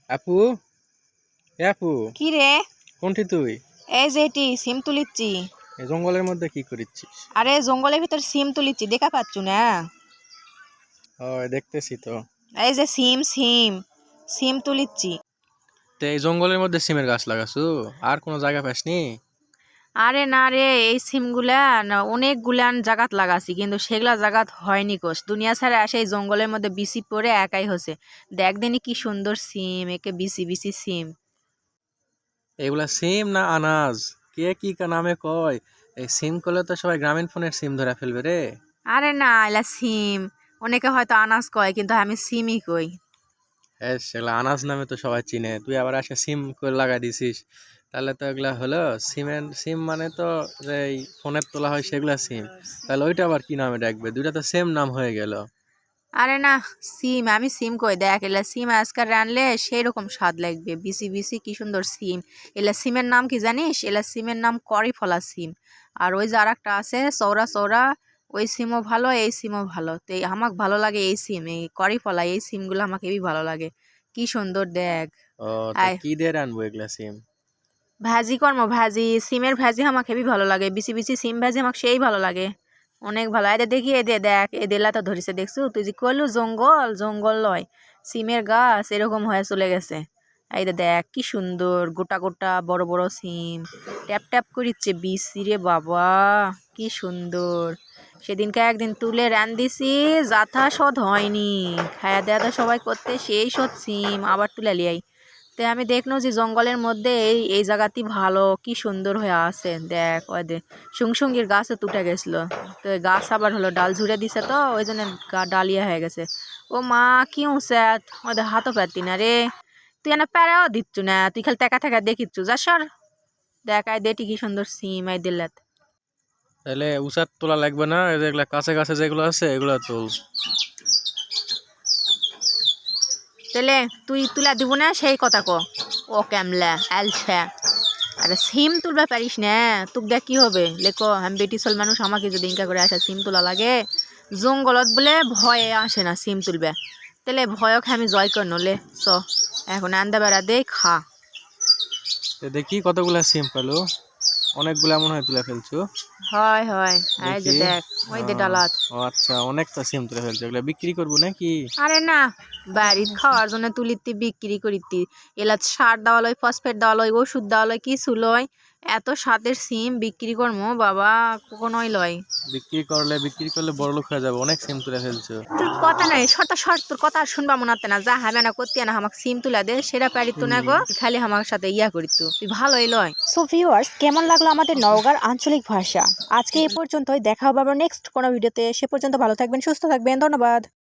আপু, এ আপু, কি রে? কোনটি তুই? এই যে এটি সিম তুলিচ্ছি। এই জঙ্গলের মধ্যে কি করিচ্ছিস? আরে জঙ্গলের ভিতর সিম তুলিচ্ছি, দেখা পাচ্ছু না? ওই দেখতেছি তো। এই যে সিম সিম সিম তুলিচ্ছি। তো এই জঙ্গলের মধ্যে সিমের গাছ লাগাছু? আর কোনো জায়গা পাসনি? আরে না রে, এই সিমগুলা না অনেকগুলান জাগাত লাগাছি, কিন্তু সেগুলা জাগাত হয়নি কোষ। দুনিয়া ছাড়া আসে এই জঙ্গলের মধ্যে বিসি পড়ে একাই হচ্ছে। দেখ দিনই কি সুন্দর সিম, একে বিসি বিসি সিম। এগুলা সিম না আনাজ? কে কি নামে কয়? এই সিম করলে তো সবাই গ্রামীণ ফোনের সিম ধরে ফেলবে রে। আরে না, এলা সিম। অনেকে হয়তো আনাজ কয়, কিন্তু আমি সিমই কই। হ্যাঁ, সেগুলা আনাজ নামে তো সবাই চিনে, তুই আবার আসে সিম করে লাগাই দিছিস। তাহলে তো এগুলা হলো সিম মানে তো যে এই ফোনের তোলা হয় সেগুলা সিম। তাহলে ওইটা আবার কি নামে ডাকবে? দুইটা তো সেম নাম হয়ে গেল। আরে না, সিম আমি সিম কই। দেখ, এলা সিম আজকাল রানলে সেই রকম স্বাদ লাগবে, বিসি বিসি কি সুন্দর সিম। এলা সিমের নাম কি জানিস? এলা সিমের নাম করিফলা সিম। আর ওই যে আর একটা আছে সৌরা সৌরা, ওই সিমও ভালো, এই সিমও ভালো। তো আমাকে ভালো লাগে এই সিম, এই করিফলা, এই সিমগুলো আমাকে হেবি ভালো লাগে। কি সুন্দর দেখ। ও, তা আয়, কি দিয়ে রানবো এগুলা সিম? ভাজি কর্ম ভাজি, সিমের ভাজি আমাকে হেবি ভালো লাগে। বিসি বিসি সিম ভাজি আমাকে সেই ভালো লাগে, অনেক ভালো। এদের দেখি, এদে দেখ, এদেলা তো ধরেছে দেখছু? তুই যে কইলু জঙ্গল, জঙ্গল লয়, সিমের গাছ এরকম হয়ে চলে গেছে। এই যে দেখ কি সুন্দর গোটা গোটা বড় বড় সিম, ট্যাপ ট্যাপ করিচ্ছে বিসি রে বাবা, কি সুন্দর। সেদিনকে একদিন তুলে রান দিছি, যাথা সদ হয়নি। খায়া দেয়া তো সবাই করতে, সেই সদ সিম আবার তুলে লিয়াই। তে আমি দেখলো যে জঙ্গলের মধ্যে এই এই জায়গাটি ভালো, কি সুন্দর হয়ে আছে। দেখ ওই দে সুংসুঙ্গির গাছও তুটে গেছিল। তো এই গাছ আবার হলো ডাল ঝুড়ে দিছে, তো ওই জন্য ডালিয়া হয়ে গেছে। ও মা, কি উঁচাত ওদের হাতও পারতি না রে। তুই এনে প্যারাও দিচ্ছু না, তুই খালি টাকা টাকা দেখিচ্ছু, যা সর। দেখ আই দেটি কি সুন্দর সিম আই দিল্লাত। তাহলে উচার তোলা লাগবে না, এই যেগুলা কাছে কাছে যেগুলো আছে এগুলা তোল। তাহলে তুই তুলা দিব না সেই কথা ক। ও ক্যামলা আলছা। আরে সিম তুলবা পারিস না? তোক দেখ কি হবে লেখো, আমি বেটি চল মানুষ, আমাকে যদি ইনকা করে আসা সিম তোলা লাগে। জঙ্গলত বলে ভয়ে আসে না সিম তুলবে। তাহলে ভয়ক আমি জয় কর নলে। চ এখন আন্দা বেড়া দে খা। তো দেখি কতগুলা সিম পেলো। অনেকগুলা মনে হয় তুলে ফেলছো। হয় হয়, এই যে দেখি। দেখ ওই দে আহ, ডালাত। ও আচ্ছা, অনেকটা সিম তুলে ফেলছো, এগুলা বিক্রি করবো নাকি? আরে না, বাড়ির খাওয়ার জন্য তুলিতি বিক্রি করিতি। এলা সার দেওয়া লয়, ফসফেট দেওয়া লয়, ওষুধ দেওয়া লয়, কিছু লয়। এত স্বাদের সিম বিক্রি করবো বাবা, কখনোই লয়। বিক্রি করলে বড় লোক হয়ে যাবে, অনেক সিম তুলে ফেলছো। তোর কথা নাই শর্ত শর্ত, তোর কথা আর শুনবা মনে হচ্ছে না। যা হবে না করতে না, আমাকে সিম তুলা দে, সেটা পারিত না গো। খালি আমার সাথে ইয়া করিত, তুই ভালোই লয়। সো ভিউয়ার্স, কেমন লাগলো আমাদের নওগাঁর আঞ্চলিক ভাষা? আজকে এ পর্যন্তই, দেখা হবে আবার নেক্সট কোনো ভিডিওতে। সে পর্যন্ত ভালো থাকবেন, সুস্থ থাকবেন, ধন্যবাদ।